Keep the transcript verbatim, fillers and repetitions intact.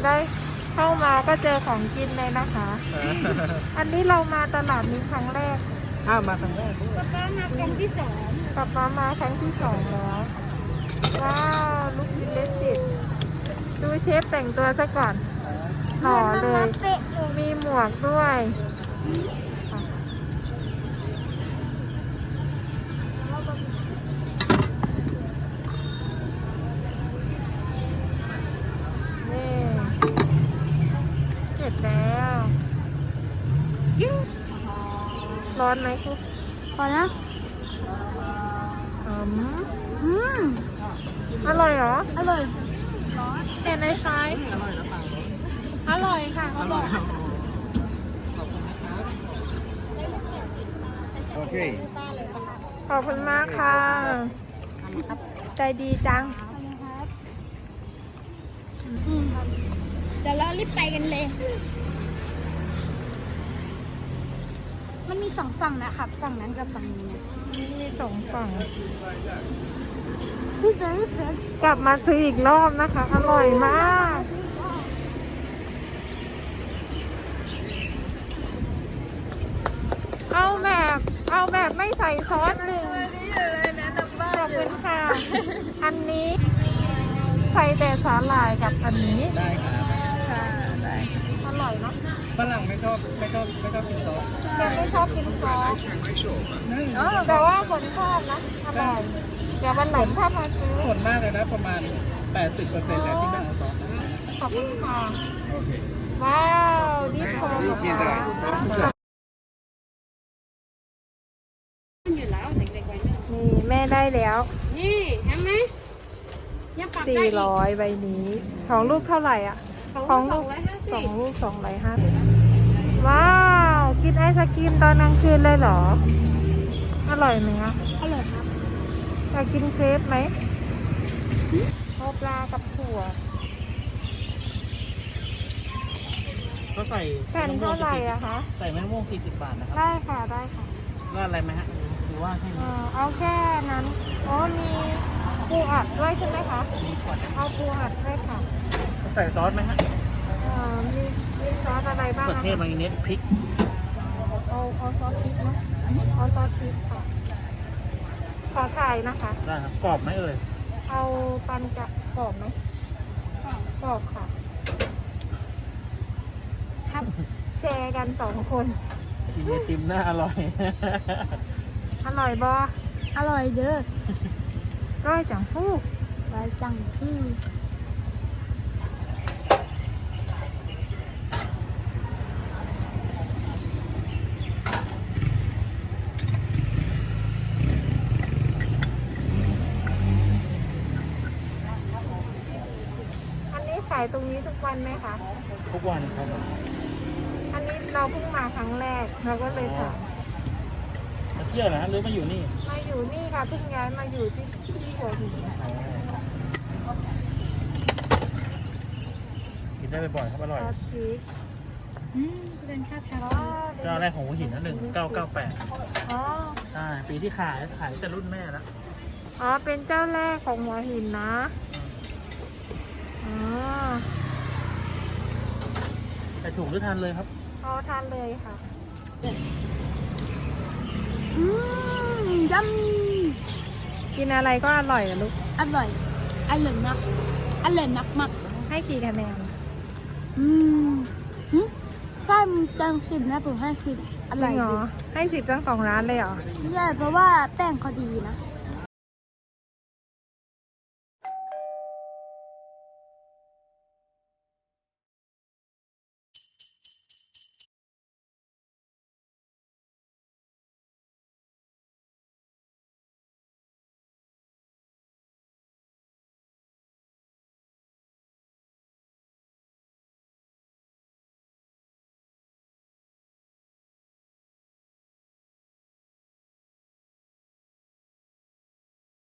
ได้เข้ามาก็เจอของกินเลยนะคะ อันนี้เรามาตลาดนี้ครั้งแรกอ้าวมาครั้งแรกด้วยป๊าป๊ามาครั้งที่สองกลับมามาครั้งที่สองแล้ว ว้าวลูกชิ้นเลสสิตดูเชฟแต่งตัวซะก่อนหล่อเลยเป๊ะเลยมีหมวกด้วยนี่เสร็จแล้วร้อนไหมคุกพอนะอืมอืมอร่อยเหรออร่อยเห็นในไฟอร่อยค่ะเขาบอกโอเคขอบคุณมากค่ะ ใจดีจังอืมเดี๋ยวเรารีบไปกันเลย มันมีสองฝั่งนะครับ ฝั่งนั้นกับฝั่งนี้นะมีสองฝั่งพี่เฟิร์นพี่เฟิร์นกลับมาซื้ออีกรอบนะคะ อร่อยมาก เอาแบบ เอาแบบไม่ใส่ซอสหนึ่งขอบคุณค่ะ อันนี้ใส่แต่สาหร่ายกับอันนี้ได้ครับค่ะได้อร่อยเนาะฝรั่งไม่ชอบไม่ชอบไม่ชอบกินซอสยังไม่ชอบกินซอสแต่ว่าคนชอบนะอร่อยเดี๋ยววันหลังถ้ามาซื้อส่วนมากเลยนะประมาณ แปดสิบเปอร์เซ็นต์ แหละที่ไม่เอาซอสนะขอบคุณค่ะโอเคว้าวนี่พอค่ะอยู่แล้วเด็กๆวัยรุ่นนี่แม่ได้แล้วนี่เห็นไหมยังปรับได้สี่อีกร้อยใบนี้ ของลูกเท่าไหร่อ่ะของลูกสองร้อยห้าสิสอบ งลูกสองร้อยห้าสิบว้าว กินไอศกรีมตอนกลางคืนเลยเหรอ อร่อยไหมคะอร่อยครับอยากกินเครปไหมเอาปลากับถั่วก็ใส่แผ่นเท่าไหร่อะคะใส่มะม่วงสี่สิบบาทนะครับได้ค่ะได้ค่ะราดอะไรไหมฮะหรือว่าให้เออเอาแค่นั้นอ๋อมีปูอัดด้วยใช่ไหมคะมีขวดเอาปูอัดด้วยค่ะใส่ซอสไหมฮะเอ่อมีมีซอสอะไรบ้างมะเขืออะเทศคะมายองเนสพริกเอาเอาซอสพริกเนาะเอาซอสพริกค่ะ ขอถ่ายนะคะได้ครับกรอบไหมเอ่ยเอาปันจะกรอบไหมกรอบค่ะครับแชร์กันสองคนกินไอติมน่าอร่อยอร่อยบออร่อยเด้อร้อยจังฟูกไว้จังที่อันนี้ขายตรงนี้ทุกวันไหมคะทุกวันครับอันนี้เราเพิ่งมาครั้งแรกเราก็เลยถามมาเที่ยวเหรอฮะหรือมาอยู่นี่มาอยู่นี่ค่ะเพิ่งย้ายมาอยู่ที่ที่หัวหินกินได้บ่อยๆครับอร่อยซอสพริกอืมเดินข้ามชาอ๋อเจ้าแรกของหัวหินนะหนึ่งเก้าเก้าแปดอ๋อใช่ปีที่ขายขายแต่รุ่นแม่แล้วอ๋อเป็นเจ้าแรกของหัวหินนะอ๋อใส่ถุงหรือทานเลยครับเอาทานเลยค่ะอืมยัมมี่กินอะไรก็อร่อยอะลูกอร่อย อร่อยมาก อร่อยมากมากให้กี่คะแนนๆอืมหึถ้ามันเต็มสิบนะผมให้สิบอจร่ริอยงเหรดีอให้สิบทั้งสองร้านเลยเหรอใช่เพราะว่าแป้งเขาดีนะ